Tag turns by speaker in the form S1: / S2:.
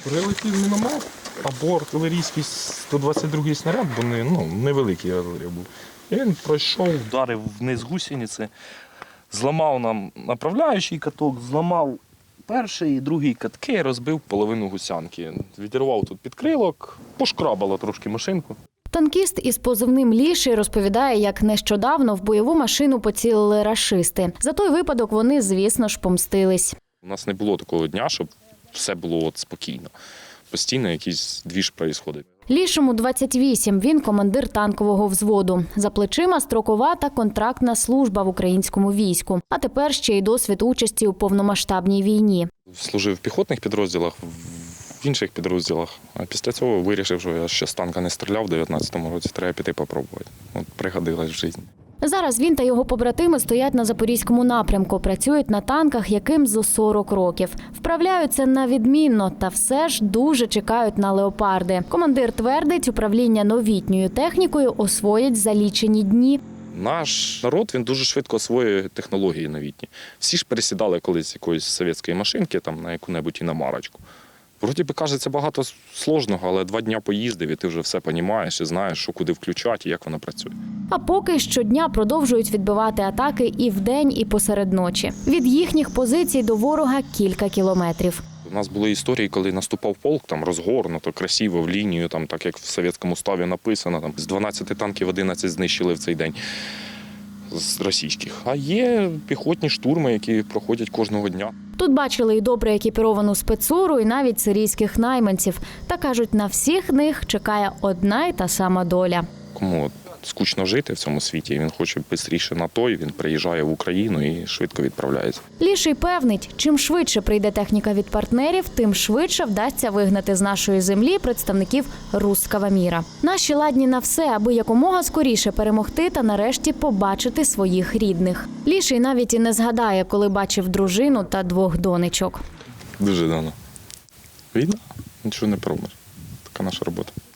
S1: Прилетів міномет або артилерійський 122-й снаряд, бо невеликий артилерій був. І він пройшов, вдарив вниз гусениці, зламав нам направляючий каток, зламав перший і другий катки, розбив половину гусянки. Відірвав тут підкрилок, пошкрабало трошки машинку.
S2: Танкіст із позивним «Ліший» розповідає, як нещодавно в бойову машину поцілили рашисти. За той випадок вони, звісно ж, помстились.
S1: У нас не було такого дня, щоб все було спокійно. Постійно якийсь двіж відбувається.
S2: Лішому 28, він командир танкового взводу. За плечима строкова та контрактна служба в українському війську. А тепер ще й досвід участі у повномасштабній війні.
S1: Служив в піхотних підрозділах, в інших підрозділах. А після цього вирішив, що я ще з танка не стріляв в 19-му році, треба піти попробувати. От пригодилось в житті.
S2: Зараз він та його побратими стоять на Запорізькому напрямку, працюють на танках, яким зо 40 років. Вправляються на відмінно, та все ж дуже чекають на леопарди. Командир твердить, управління новітньою технікою освоять за лічені дні.
S1: Наш народ, він дуже швидко освоює технології новітні. Всі ж пересідали колись з якоїсь совєтської машинки там, на яку-небудь іномарочку. Вроді би, кажеться, багато сложного, але 2 дні поїздив, і ти вже все розумієш і знаєш, що куди включати і як вона працює.
S2: А поки щодня продовжують відбивати атаки і вдень, і посеред ночі. Від їхніх позицій до ворога кілька кілометрів.
S1: У нас були історії, коли наступав полк, там розгорнуто, красиво, в лінію, там, так як в совєтському уставі написано, там, з 12 танків 11 знищили в цей день з російських. А є піхотні штурми, які проходять кожного дня.
S2: Тут бачили і добре екіпіровану спецуру, і навіть сирійських найманців. Та кажуть, на всіх них чекає одна й та сама доля.
S1: Кому скучно жити в цьому світі, він хоче швидше на той, він приїжджає в Україну і швидко відправляється.
S2: Ліший певнить, чим швидше прийде техніка від партнерів, тим швидше вдасться вигнати з нашої землі представників руського міра. Наші ладні на все, аби якомога скоріше перемогти та нарешті побачити своїх рідних. Ліший навіть і не згадає, коли бачив дружину та 2 донечок.
S1: Дуже давно. Війна, нічого не пробуєш. Така наша робота.